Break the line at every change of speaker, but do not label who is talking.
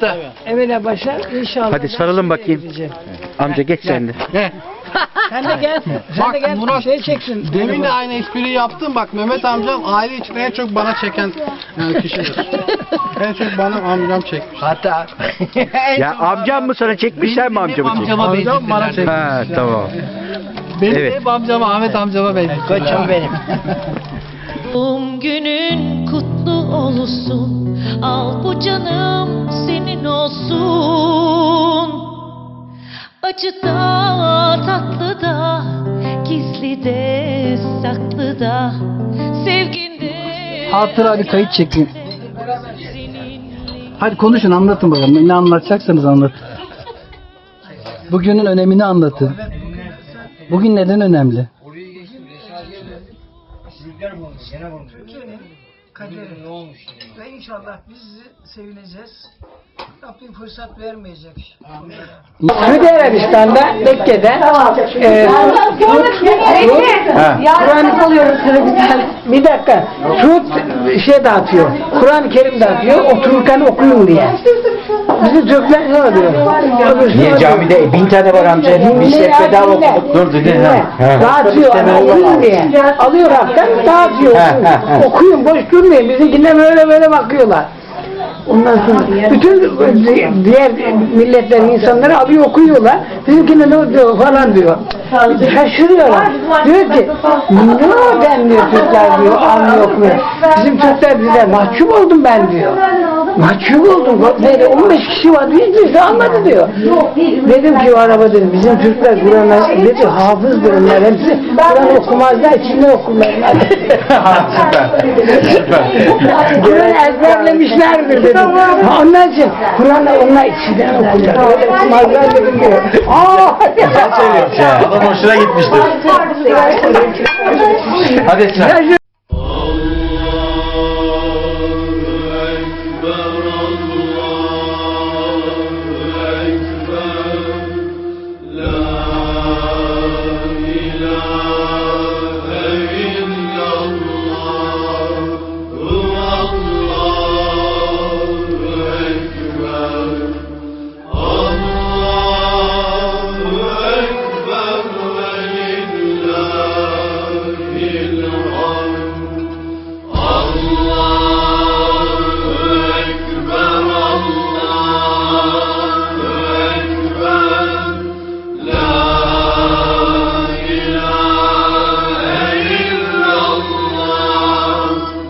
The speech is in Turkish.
Usta.
Evvela başa inşallah.
Hadi sarılın bakayım. Amca geç sen de.
Sen de gel. Sen de gel.
Murat,
Şey çeksin.
Demin de aynı espriyi yaptım. Bak Mehmet amcam aile içinde en çok bana çeken kişidir. En çok bana amcam çekmiş.
Hatta
Ya amcam mı sana çekmiş sen mi amcamı çekmiş?
Amcam bana çekmiş.
Ha tamam.
Benim
Evet.
hep amcama, Ahmet amcama benziyor.
koçum benim.
Doğum günün kutlu olsun. Al bu canım senin olsun. Acıda, tatlıda, gizlide, saklıda, sevginde.
Hatıra bir kayıt çekin. Hadi konuşun, anlatın bakalım. Ne anlatacaksanız anlatın. Bugünün önemini anlatın. Bugün neden önemli?
Ve inşallah biz sevineceğiz. Rabbim fırsat vermeyecek.
Suudi Arabistan'da Mekke'de Kur'an oluyoruz bir dakika. Suud şey dağıtıyor. Kur'an-ı Kerim dağıtıyor. Otururken okuyun diye. Bizi Türkler ne oluyor?
Niye camide 1000 tane var amca? Biz hep bedava okuduk. Dur dinle.
Dağıtıyor. Okuyun diye. Alıyor hakikaten dağıtıyor. Okuyun boş durmayın. Bizimkiler böyle bakıyorlar. Ondan sonra bütün diğer milletlerin insanları alıyor okuyorlar. Bizimkine ne diyor falan diyor. Şaşırıyorlar. Diyor ki neden diyor Türkler diyor anlıyor okumuyor. Bizim Türkler bize mahcup oldum ben diyor. Mahcup oldum. Böyle 15 kişi vardı hiçbirisi anladı diyor. Dedim ki o araba dedim bizim Türkler Kur'an'a dedi hafızdır onlar hepsi. Kur'an okumazlar içinde okurlar. Kur'an ezberlemişlerdir dedim. Ondan için Kur'an'ı onlar içinden okurlar. Öyle okumazlar dedim diyor.
Sen söylüyorsun ya. Adam hoşuna gitmiştir. Hadi sen.
Allahu Ekber.